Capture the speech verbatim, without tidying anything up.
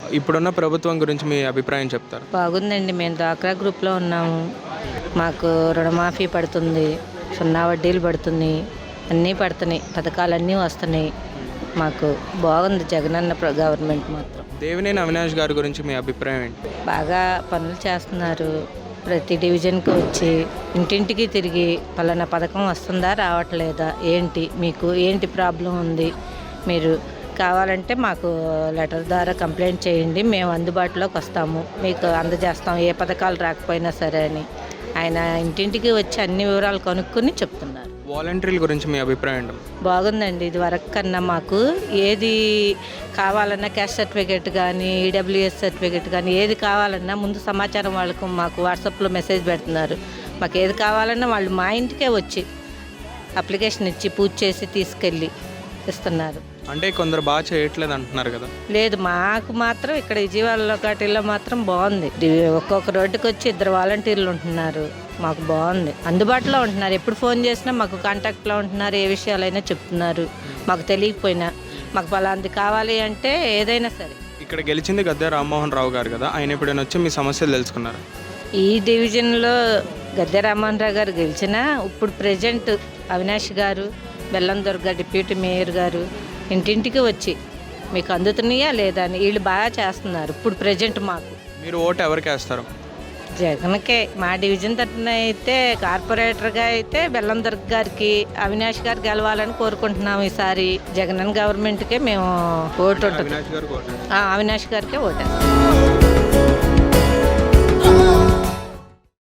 ఇప్పుడున్న ప్రభుత్వం గురించి మీ అభిప్రాయం చెప్తారు? బాగుందండి. మేము డ్వాక్రా గ్రూప్లో ఉన్నాము. మాకు రుణమాఫీ పడుతుంది, సున్నా వడ్డీలు పడుతుంది, అన్నీ పడుతున్నాయి, పథకాలన్నీ వస్తున్నాయి. మాకు బాగుంది జగనన్న ప్ర- గవర్నమెంట్ మాత్రం. దేవినేని అవినాష్ గారి గురించి మీ అభిప్రాయం ఏంటి? బాగా పనులు చేస్తున్నారు. ప్రతి డివిజన్కి వచ్చి ఇంటింటికి తిరిగి పలానా పథకం వస్తుందా రావట్లేదా, ఏంటి మీకు ఏంటి ప్రాబ్లం ఉంది, మీరు కావాలంటే మాకు లెటర్ ద్వారా కంప్లైంట్ చేయండి, మేము అందుబాటులోకి వస్తాము, మీకు అందజేస్తాం ఏ పథకాలు రాకపోయినా సరే అని ఆయన ఇంటింటికి వచ్చి అన్ని వివరాలు కనుక్కొని చెప్తున్నారు. వాలంటీర్ల గురించి మీ అభిప్రాయం ఏంటి? బాగుందండి. ఇది వరకు కన్నా మాకు ఏది కావాలన్నా క్యాస్ట్ సర్టిఫికేట్ కానీ ఈడబ్ల్యూఎస్ సర్టిఫికేట్ కానీ ఏది కావాలన్నా ముందు సమాచారం వాళ్ళకు మాకు వాట్సాప్లో మెసేజ్ పెడుతున్నారు. మాకు ఏది కావాలన్నా వాళ్ళు మా ఇంటికే వచ్చి అప్లికేషన్ ఇచ్చి పూజ చేసి తీసుకెళ్ళి ఇస్తున్నారు. అంటే కొందరు బాగా చేయట్లేదు అంటున్నారు కదా. లేదు, మాకు మాత్రం ఇక్కడ విజయవాడలో కాటిల్లో మాత్రం బాగుంది. ఇది ఒక్కొక్క రోడ్డుకి వచ్చి ఇద్దరు వాలంటీర్లు ఉంటున్నారు. మాకు బాగుంది, అందుబాటులో ఉంటున్నారు. ఎప్పుడు ఫోన్ చేసినా మాకు కాంటాక్ట్లో ఉంటున్నారు. ఏ విషయాలైనా చెప్తున్నారు. మాకు తెలియకపోయినా మాకు పలాంటి కావాలి అంటే ఏదైనా సరే. ఇక్కడ గెలిచింది గద్దె రామ్మోహన్ రావు గారు కదా, ఆయన ఎప్పుడైనా వచ్చి మీ సమస్యలు తెలుసుకున్నారు? ఈ డివిజన్లో గద్దె రామ్మోహన్ రావు గారు గెలిచినా ఇప్పుడు ప్రజెంట్ అవినాష్ గారు, బెల్లం దుర్గ డిప్యూటీ మేయర్ గారు ఇంటింటికి వచ్చి మీకు అందుతున్నాయా లేదా అని వీళ్ళు బాగా చేస్తున్నారు. ఇప్పుడు ప్రజెంట్ మాకు. మీరు ఓటు ఎవరికి వేస్తారు? జగన్కే. మా డివిజన్ తరఫున అయితే కార్పొరేటర్గా అయితే బెల్లం దుర్గ గారికి, అవినాష్ గారు గెలవాలని కోరుకుంటున్నాము. ఈసారి జగన్ గవర్నమెంట్కే మేము ఓటు ఉంటుంది. అవినాష్ గారు ఓటు. అవినాష్ గారికే ఓటేస్తాం.